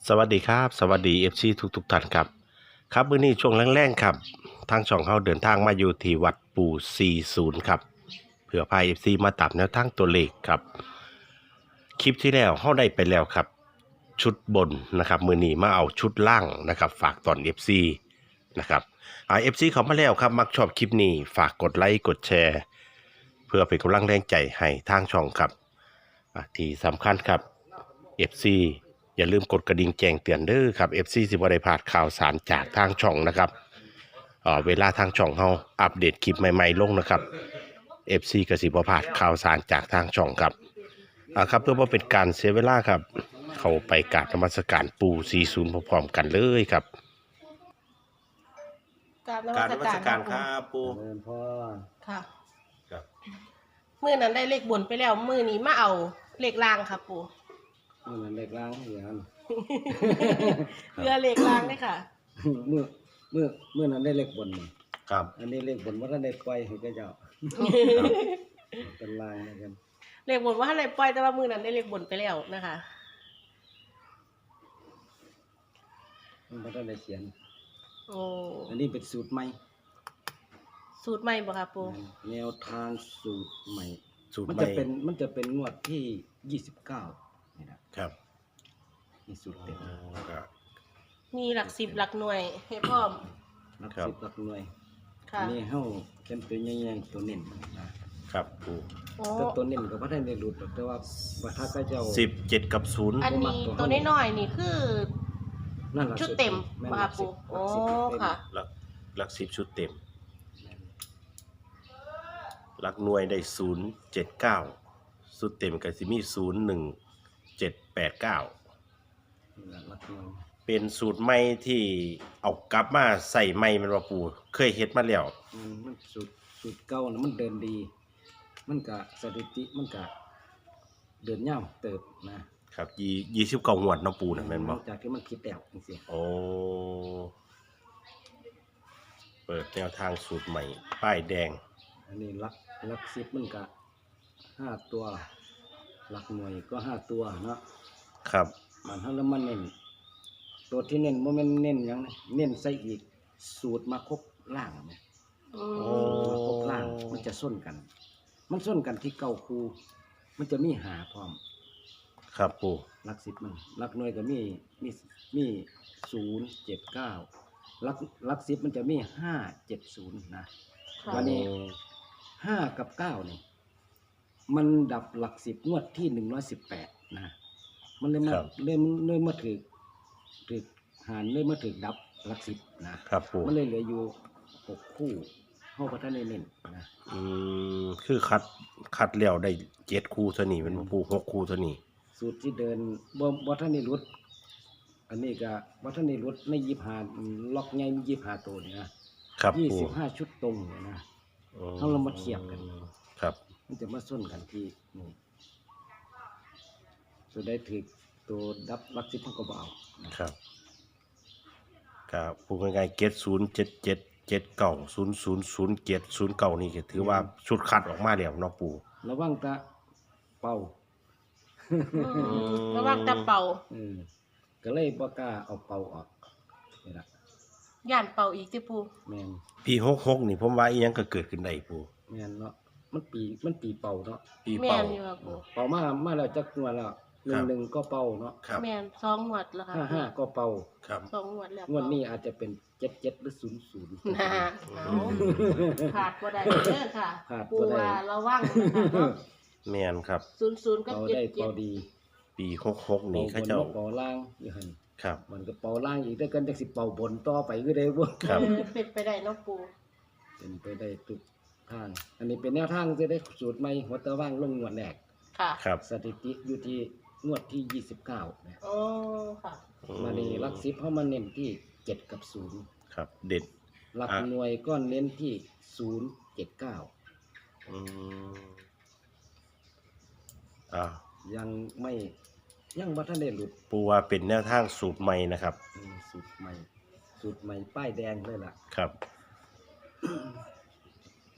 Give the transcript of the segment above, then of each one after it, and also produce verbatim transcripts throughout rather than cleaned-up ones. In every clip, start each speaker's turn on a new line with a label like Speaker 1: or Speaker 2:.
Speaker 1: สวัสดีครับสวัสดี เอฟ ซี ทุกทุกท่านครับครับมื้อนี้ช่วงแรงๆครับทางช่องเฮาเดินทางมาอยู่ที่วัดปู่สี่สิบครับเพื่อพา เอฟ ซี มาตามแนวทางตัวเลขครับคลิปที่แล้วเฮาได้ไปแล้วครับชุดบนนะครับมื้อนี้มาเอาชุดล่างนะครับฝากตอน เอฟ ซี นะครับอ่า เอฟ ซี เข้ามาแล้วครับมักชอบคลิปนี้ฝากกดไลค์กดแชร์เพื่อเป็นกำลังแรงใจให้ทางช่องครับอ่าที่สำคัญครับ เอฟ ซี อย่าลืมกดกระดิ่งแจ้งเตือนเด้อครับ เอฟ ซี สิบ่ได้พลาดข่าวสารจากทางช่องนะครับเอ่อเวลาทางช่องเฮาอัปเดตคลิปใหม่ๆลงนะครับ เอฟ ซี ก็สิบ่พลาดข่าวสารจากทางช่องครับอ่าครับเพื่อบ่เป็นการเสียเวลาครับเข้าไปกราบนมัสการปู่สี่สิบพร้อมๆกันเลยครับ
Speaker 2: กราบน
Speaker 1: กรา
Speaker 2: มั
Speaker 1: บ
Speaker 2: ส
Speaker 1: นมั
Speaker 2: การ
Speaker 1: สการค
Speaker 2: ค
Speaker 1: รั
Speaker 2: รับบ
Speaker 1: ปู่
Speaker 3: เจริญพร
Speaker 2: ค่ะ
Speaker 1: ครับ
Speaker 2: มือนั้นได้เลขบนไปแล้ว มือนี้มาเอาเลขล่างค่ะปู่
Speaker 3: นี่มันเด็กล้างเหรียญ
Speaker 2: เรือเลขล่างเลยค่ะ
Speaker 3: เมื่อเมื่อเมื่อนั้นได้เลขบนนี่
Speaker 1: ครับ
Speaker 3: อันนี้เลขบนว่าท่านได้ปล่อยให้แกเจ้าเป็นลางนะกัน
Speaker 2: เลขบนว่าอะไรปล่อยแต่ว่ามือนั้นได้เลขบนไปแล้วนะคะ
Speaker 3: มันว่าท่านได้เขียน
Speaker 2: โอ้
Speaker 3: อันนี้เป็นสูตรใหม่
Speaker 2: สูตรใหม่บ่ค่ะปู่
Speaker 3: แนวทางสูตรใหม่
Speaker 1: สูตร
Speaker 3: มัน
Speaker 1: ใหม่
Speaker 3: จะเป็นมันจะเป็นงวดที่ยี่สิบเก้านี่นะครับ นี่สูตรเต็ม
Speaker 1: ครับ
Speaker 2: มีหลักสิบหลักหน่วยให้พร้อม
Speaker 3: หลัก
Speaker 1: ครับ
Speaker 3: สิบหลักหน่วย
Speaker 2: ค่ะ
Speaker 3: อันนี้เฮาเขียนตัวใหญ่ๆตัวเน้นนะครับ
Speaker 1: ปู่
Speaker 2: โอ้
Speaker 3: แต่ตัวเน้นก็บ่ได้ในหลุดหรอกแต่ว่าว่าถ้าก็เจ้า
Speaker 1: สิบเจ็ดกับศูนย์
Speaker 2: อันนี้ตัวน้อยๆนี่คือ
Speaker 3: นั่นล่ะ
Speaker 2: ชุดเต็ม
Speaker 3: แน
Speaker 2: บ่
Speaker 3: หลั
Speaker 2: ค่ะ
Speaker 3: กสิ
Speaker 2: ปู่
Speaker 3: บห
Speaker 2: โอ้
Speaker 3: ลักสิบเต็ม
Speaker 2: ค่ะ
Speaker 1: หลักหลักสิบชุดเต็ม
Speaker 3: แม่น
Speaker 1: หลักหน่วยได้ศูนย์เจ็ดเก้าสุดเต็มก็สิมีศูนย์หนึ่งเจ็ดแปดเก้า
Speaker 3: นี่ล่ะหลักหน่วย
Speaker 1: เป็นสูตรใหม่ที่เอากลับมาใส่ใหม่แมันว่าปูเคยเฮ็ดมาแล้ว
Speaker 3: มันมันสูตรสูตรเก่านะมันเดินดี มันกะสถิติมันกะเดินยาวเติบนะครับ
Speaker 1: ยี่ยี่สิบเก้างวดเนาะปูนะแม่นบ่
Speaker 3: จากที่มันคิดแล้วจังซี่
Speaker 1: โอ้เปิดแนวทางสูตรใหม่ ป้ายแดง
Speaker 3: อันนี้หลักหลักสิบมันกะห้าตัวหลักหน่วยก็ห้าตัวเนาะ
Speaker 1: ครับ
Speaker 3: มันเฮาแล้วมันเน้นตัวที่เน้นบ่แม่นเน้นหยังนะเน้นใส่อีกสูตรมาครบล่างนะ
Speaker 2: อื
Speaker 1: โอ้
Speaker 2: ม
Speaker 3: มาครบล่างมันจะส้นกัน มันส้นกันที่เก้าคูมันจะมีหาพร้อม
Speaker 1: ครับปู
Speaker 3: หลักสิบมันหลักหน่วยก็มีมีมีศูนย์เจ็ดเก้าหลักหลักสิบมันจะมีห้าเจ็ดศูนย์นะ
Speaker 2: ค่ะ
Speaker 3: วันนี้ ห้ากับเก้าเนี่ยมันดับหลักสิบงวดที่หนึ่งร้อยสิบแปดนะมันเลยมาเลยเลยมาถือถือหารเลยมาถือดับหลักสิบนะครับ
Speaker 1: ปู
Speaker 3: มันเลยเหลืออยู่หกคู่เข้าพัฒนาเน้นนะ
Speaker 1: อืมคือคัดคัดแล้วได้เจ็ดคู่เท่านี้แมันบ่ปูหกคู่เท่านี้
Speaker 3: สูตรที่เดินบ่บ่ท่านนี่รุด อันนี้ก็บ่ท่านนี่รุดในยี่ห้าล็อกใหญ่มียี่ห้าตัวเนี่ยนะครับ ยี่
Speaker 1: ปู
Speaker 3: สิบห้าชุดตรงเนี่ยนะ
Speaker 1: อืม
Speaker 3: เอาเรามาเทียบกัน
Speaker 1: ครับ
Speaker 3: มันจะมาส้นกันที่นี่ตัวได้ถือตัวดับหลักสิบมันก็เบเอานะครับ
Speaker 1: ครับพูดง่ายๆเกตศูนย์เจ็ดเจ็ดเจ็ดเก้าศูนย์ศูนย์ศูนย์เจ็ดศูนย์เก้านี่ก็ถือว่าชุดคัดออกมาแล้วเนาะปู
Speaker 3: ระวังตะเป่า
Speaker 2: อืมระวังแต่เป่า
Speaker 3: เออก็เลยบ่กล้าเอาเป่าออกนี่ล่ะ
Speaker 2: ย่านเป่าอีกที่ปู่
Speaker 3: แม่น
Speaker 1: ปีหกหกนี่ผมว่าอีหยังก็เกิดขึ้นได้ปู
Speaker 3: แม่นเนาะมันปีมันปีเป่าเนาะ
Speaker 1: ปี
Speaker 2: แม่
Speaker 1: เป่าน
Speaker 2: อยู่ค่ะปู่
Speaker 3: เป่ามามาแล้วจักงวดแล้วหนึ่งหนึ่งก็เป่าเนาะ
Speaker 1: ครับ
Speaker 2: แม่นสองหวดแล้วค่ะ
Speaker 3: ห้าห้าก็เป่า
Speaker 1: ครับ
Speaker 2: สองหวดแล้ว
Speaker 3: งวดนี้อาจจะเป็นเจ็ดเจ็ดหรือศูนย์ศูนย์
Speaker 2: นะเอาขาดบ่ได้เด้อค่ะ
Speaker 3: ขาดบ่
Speaker 2: ปู
Speaker 3: ได้
Speaker 2: ว่าระวังนะคะเนาะ
Speaker 1: แม่นครับ
Speaker 2: ศูนย์ศูนย์กับ
Speaker 3: เป่า
Speaker 2: เจ็ด
Speaker 3: ได้
Speaker 2: เจ็
Speaker 3: เป่า
Speaker 2: ด
Speaker 3: ดี
Speaker 1: ปีหกหก
Speaker 3: เป่า
Speaker 1: นี่
Speaker 3: บ
Speaker 1: เขา
Speaker 3: น
Speaker 1: เจ้า
Speaker 3: บ่เป่าล่างอยู่หั่น
Speaker 1: ครับ
Speaker 3: มันก็เป่าล่างอีกแต่กันจักสิเป่าบนต่อไปคือได้บ่
Speaker 1: ครับ
Speaker 2: เออเป็นไปได้เนาะปู
Speaker 3: เป็นไปได้ทุกทาง อันนี้เป็นแนวทางจะได้สูตรใหม่หัวตะว่างลงงวดแรก
Speaker 2: ค่ะ
Speaker 1: ครับ
Speaker 3: สถิติอยู่ที่งวดที่ยี่สิบเก้านะ
Speaker 2: โอ้ค่ะ
Speaker 3: มานี่หลักสิบเฮามาเน้นที่เจ็ดกับศูนย์
Speaker 1: ครับ เด็ด
Speaker 3: หลัก
Speaker 1: อ่ะ
Speaker 3: หน่วยก็เน้นที่ศูนย์เจ็ดเก้า
Speaker 1: อืมอ่า
Speaker 3: ยังไม่ยังบ่ทันได้หลุด
Speaker 1: ปูว่าเป็นแนวทางสูตรใหม่นะครับ
Speaker 3: อืมสูตรใหม่ สูตรใหม่ป้ายแดงเลยล่ะ
Speaker 1: ครับ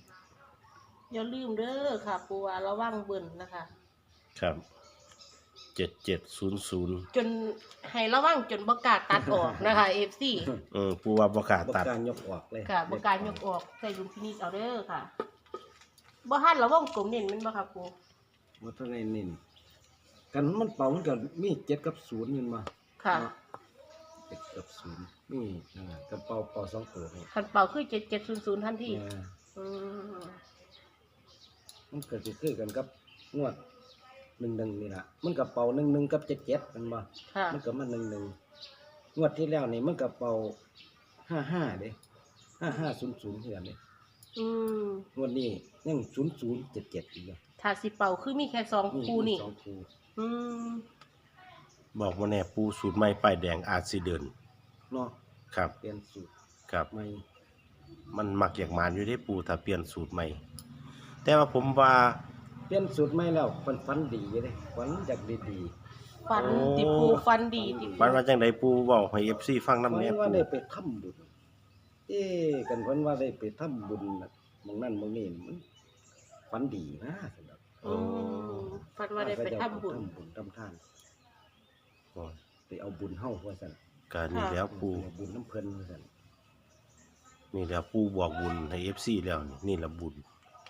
Speaker 2: อย่าลืมเด้อค่ะปูว่าระวังเบิ่นนะคะ
Speaker 1: ครับเจ็ดเจ็ดศูนย์ศูนย์
Speaker 2: จนให้ระวังจนบ่กล้าตัดออกนะคะ เอฟ ซี
Speaker 1: อืมปูว่าบ่กล้า
Speaker 3: บ่
Speaker 1: ตัด
Speaker 3: การยกออกเลย
Speaker 2: ค่ะบ่กล้ายกออกใส่ดุลพินิจเอาเด้อค่ะบ่ทันระวังกลมเน้นแมันบ่ครับปู
Speaker 3: บ่ทันได้เน้นกันมันเป่ามันก็มีเจ็ดกับศูนย์นี่มา
Speaker 2: ค่ะ
Speaker 3: เจ็ดกับศูนย์นี่นะกับเป่าเป่าสองตัวนี่
Speaker 2: คันเป่าคือเจ็ดเจ็ดศูนย์ศูนย์ทันที
Speaker 3: เออ
Speaker 2: อืม
Speaker 3: มันก็สิคือกันกับงวดหนึ่งหนึ่งนี่ล่ะมันก็เป่าหนึ่งหนึ่งกับเจ็ดเจ็ดมันบ่
Speaker 2: ค่ะ
Speaker 3: มันก็มาหนึ่งหนึ่งงวดที่แล้วนี่มันก็เป่าห้าห้าเด้ห้าห้าศูนย์ศูนย์เท่านั้นเด้
Speaker 2: อืม
Speaker 3: งวดนี้ยังศูนย์ศูนย์เจ็ดเจ็ดอีกแล้ว
Speaker 2: ถ้าสิเป่าคือมีแค่สองคู่นี่
Speaker 3: สองคู่
Speaker 2: อืม
Speaker 1: บอกว่าแน่ปูสูตรใหม่ป้ายแดงอาจสิเดิน
Speaker 3: เนาะ
Speaker 1: ครับ
Speaker 3: เปลี่ยนสูตร
Speaker 1: ครับ
Speaker 3: ใหม่
Speaker 1: มันมักอยากมานอยู่ได้ปูถ้าเปลี่ยนสูตรใหม่ แต่ว่าผมว่า
Speaker 3: เปลี่ยนสูตรใหม่แล้วมันฟันดีอยู่เด้ฟันอยากดี
Speaker 2: ฟัน
Speaker 1: โอ้
Speaker 2: ติปูฟันดีติปู
Speaker 1: ปันว่าจังไดปูเว้าให้ เอฟ ซี ฟัง
Speaker 3: ๆ
Speaker 1: นำ
Speaker 3: ฟัน
Speaker 1: แน่
Speaker 3: ว่า
Speaker 1: ปู
Speaker 3: ได้ไปทำบุญเอ๊ะกันฟันว่าได้ไปทำบุญน่ะหมองนั่นหมองนี่มันฟันดีนะสำหรับ
Speaker 2: อืมฟันว่าได้ไปทำบุญ
Speaker 3: ทำบุญทำทาน
Speaker 1: โอ้ย
Speaker 3: ไปเอาบุญเฮาว่าซั่น
Speaker 1: ก็นี่แล้วปู
Speaker 3: ไปเอาบุญน้ำเพิ่นว่าซั่น
Speaker 1: นี่แล้วปูบอกบุญให้ เอฟ ซี แล้วนี่นี่ละบุญ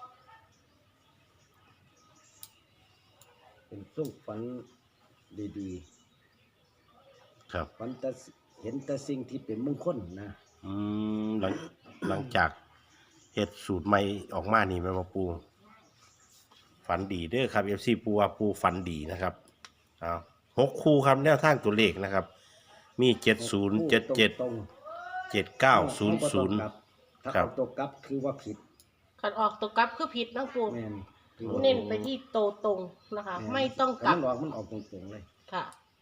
Speaker 3: เป็นส่งฝันดี
Speaker 1: ครับ
Speaker 3: ๆฝันแต่เห็นแต่สิ่งที่เป็นมงคลนะ
Speaker 1: อืมหลังหลังจากเฮ็ดสูตรใหม่ออกมานี่แม่นบ่ปู ฝันดีเด้อครับ เอฟ ซี ปูว่าปูฝันดีนะครับเอาหกคู่ครับแนวทางตัวเลขนะครับ มีเจ็ดศูนย์ เจ็ดเจ็ด
Speaker 3: ตรง
Speaker 1: เจ็ด
Speaker 3: ๆ
Speaker 1: เก้า ศูนย์ ศูนย์
Speaker 3: เอาบ่ต้องกลับถ้า
Speaker 1: ครับ
Speaker 3: เอาตัวกลับคือว่าผิด
Speaker 2: คันออกตัวกลับคือผิดนะปู
Speaker 3: แม่นคือว่า
Speaker 2: เน้นไปที่โตตรงนะคะ ไม่ต้องกลับ
Speaker 3: มันออกมันออกตรงๆเลย
Speaker 2: ค่ะ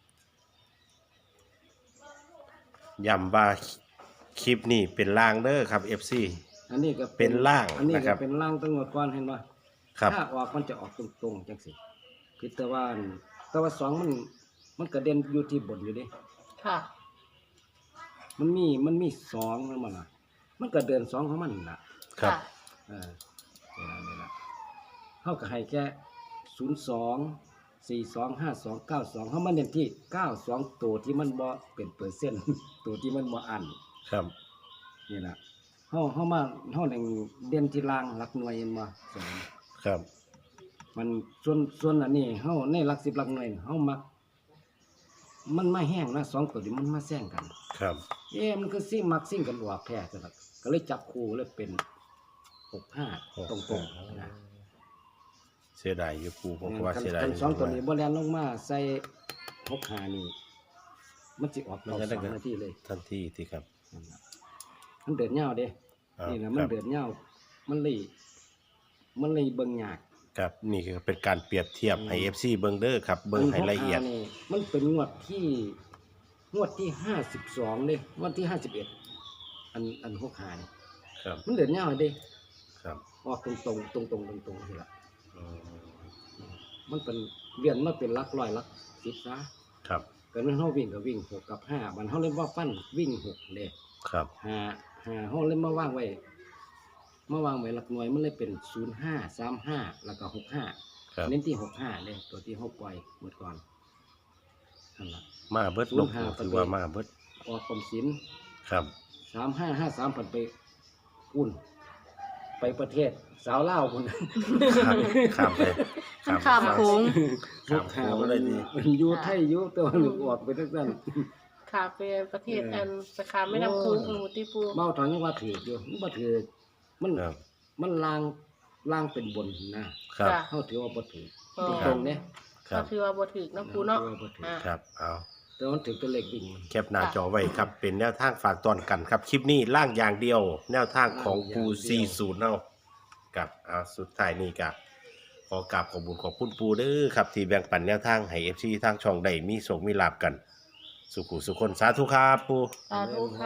Speaker 1: ย้ำว่าคลิปนี้เป็นล่างเด้อครับ เอฟ ซี
Speaker 3: อันนี้ก็
Speaker 1: เป็นล่าง
Speaker 3: อันนี้
Speaker 1: นะครั
Speaker 3: ก็
Speaker 1: บ
Speaker 3: เป็นล่างตั้งแต่ก่อนเห็นบ่
Speaker 1: ครับ
Speaker 3: ถ้าออกมันจะออกตรงๆจังซี่คือแต่ว่าอันแต่ว่าสองมันมันกระเด็นอยู่ที่บนอยู่เด้
Speaker 2: ค่ะ
Speaker 3: มันมีมันมีสองนั่นมันล่ะ มันก็เดินสองของมันน่ะ
Speaker 1: ครับ
Speaker 3: เออเวลาเวลาเฮาก็ให้แค่ศูนย์สอง สี่สอง ห้าสอง เก้าสองเฮามาเน้นที่เก้าสองตัวที่มันบ่เป็นเปอร์เซ็นต์ ตัวที่มันบ่อัน
Speaker 1: ครับ
Speaker 3: นี่ล่ะเฮาเฮามาเฮาแหล่งเด่นที่ล่างหลักหน่วยเห็นบ่สอง
Speaker 1: ครับ
Speaker 3: มันส่วนส่วนอันนี้เฮาในหลักสิบหลักหน่วยเฮามัก มันมาแห้งนะสองตัวนี้มันมาแซงกัน
Speaker 1: ครับ
Speaker 3: เอ๊ะมันคือซิ่งมักซิ่งกันออกแท้จังซั่นก็เลยจับคู่เลยเป็นหกห้าตรงๆนะ
Speaker 1: เสียดายอยู่ปูผมก็ว่า
Speaker 3: คัน
Speaker 1: เสียดาย
Speaker 3: คัน
Speaker 1: อยู่
Speaker 3: สองตัวนี้บ่แล่นลงมาใส่หกห้านี่มันสิออก
Speaker 1: มัน
Speaker 3: ต่อ
Speaker 1: จะ
Speaker 3: ส
Speaker 1: ได้
Speaker 3: อง
Speaker 1: กัน
Speaker 3: นาทีเลย
Speaker 1: ทันทีที่ครับ
Speaker 3: นั่นล่ะมันเดินยาวเด้
Speaker 1: อ้าว
Speaker 3: นี่นะ
Speaker 1: ค
Speaker 3: มัน
Speaker 1: รับ
Speaker 3: เดินยาวมันเลยมันเลยเบิ่งยาก
Speaker 1: ครับนี่คือเป็นการเปรียบเทียบให้ เอฟ ซี เบิ่งเด้อครับ เบิ่งให้ละเอียด
Speaker 3: นหกห้านี่มันเป็นงวดที่งวดที่ห้าสิบสองเด้งวดที่ห้าสิบเอ็ดอันอันหกห้านี่
Speaker 1: ครับ
Speaker 3: มันเดินยาวเด้
Speaker 1: ครับ
Speaker 3: ออกตรงๆตรงๆตรงๆตรงๆสิล่ะ
Speaker 1: อืม
Speaker 3: มันเป็นเวียนมาเป็นหลักร้อยหลักสิบซะ
Speaker 1: ครับ
Speaker 3: ก็มันเฮาวิ่งก็วิ่งหกกับห้ามันเฮาเล่นว่าฟันวิ่งหกเด้
Speaker 1: ครับ
Speaker 3: ห้าห้าเฮาเล่นมาวางไว้มาวางไว้หลักหน่วยมันเลยเป็นศูนย์ห้าสามห้าแล้วก็หกห้า
Speaker 1: ครับ
Speaker 3: เน้นที่หกห้าเด้ตัวที่เฮาปล่อยเมื่อก่อนนั่นล่ะ
Speaker 1: มาเบิด
Speaker 3: ศู
Speaker 1: ล
Speaker 3: น
Speaker 1: ง
Speaker 3: ย์ห้า
Speaker 1: ถือว่ามาเบิด
Speaker 3: ออกกรมศิลป์
Speaker 1: ครับ
Speaker 3: สามห้าห้าสามผันไปอุ่น ไปประเทศสาวเล่าวพุ่น
Speaker 1: ข้ามข้ามไป
Speaker 2: มันข้ามโค้ง
Speaker 1: ข้ามโค้งอะไรดี
Speaker 3: มันอยู่ไทยอยู่แตัวาหนูออกไปทั้งนั้น
Speaker 2: ค่ะไปประเทศ
Speaker 3: เอออั
Speaker 2: อันไปขามแม่น้ำโค้งหนูติปู
Speaker 3: เมาถอนยังว่าถืออยู่มันบ่ถือมัน
Speaker 1: ครับ
Speaker 3: มันลางลางเป็นบนนะครับ
Speaker 2: ค่ะ
Speaker 3: เฮาถือว่าบ่ถือ
Speaker 2: อ๋อ
Speaker 3: ตรงๆเนี่ย
Speaker 1: ครับ
Speaker 2: ก็คือว่าบ่ถึกนะปูเนาะ
Speaker 3: ถือว่าบ่ถือ
Speaker 2: อ่า
Speaker 1: ครับเอา
Speaker 3: แต่มันถือตัวเลขวิ่งมัน
Speaker 1: แคปหน้าจอไว้ครับ เป็นแนวทางฝากตอนกันครับ คลิปนี้ล่างอย่างเดียว แนวทางของปู
Speaker 3: ล่างอย่างเดียว
Speaker 1: สี่สิบเนาะกับเอาสุดท้ายนี่กับขอกราบขอบคุญขอบคุณปูเด้อครับ ที่แบ่งปันแนวทางให้ เอฟ ซี ทางช่องได้มีโชคมีลาบกัน สุขุสุขคนสาธุครับปู
Speaker 2: สาธุค่ะ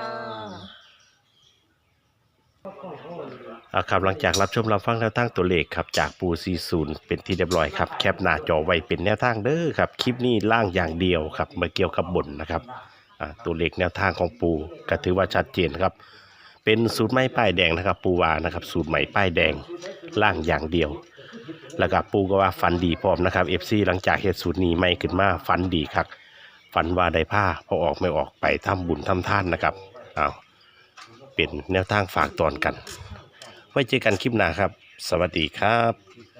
Speaker 1: อ่าครับหลังจากรับชมรับฟังแนวทางตัวเลขครับจากปูสี่สิบเป็นที่เรียบร้อยครับแคปหน้าจอไว้เป็นแนวทางเด้อครับคลิปนี้ล่างอย่างเดียวครับมาเกี่ยวกับบนนะครับอ่าตัวเลขแนวทางของปูก็ถือว่าชัดเจนครับเป็นสูตรไม้ป้ายแดงนะครับปูวานะครับสูตรใหม่ป้ายแดงล่างอย่างเดียวแล้วก็ปูก็ว่าฝันดีพร้อมนะครับ เอฟ ซี หลังจากเฮ็ดสูตรนี้ใหม่ขึ้นมาฝันดีครับฝันว่าได้ผ้าพอออกไม่ออกไปทำบุญทำทานนะครับเอาเป็นแนวทางฝากตอนกัน ไว้เจอกันคลิปหน้าครับ สวัสดีครับ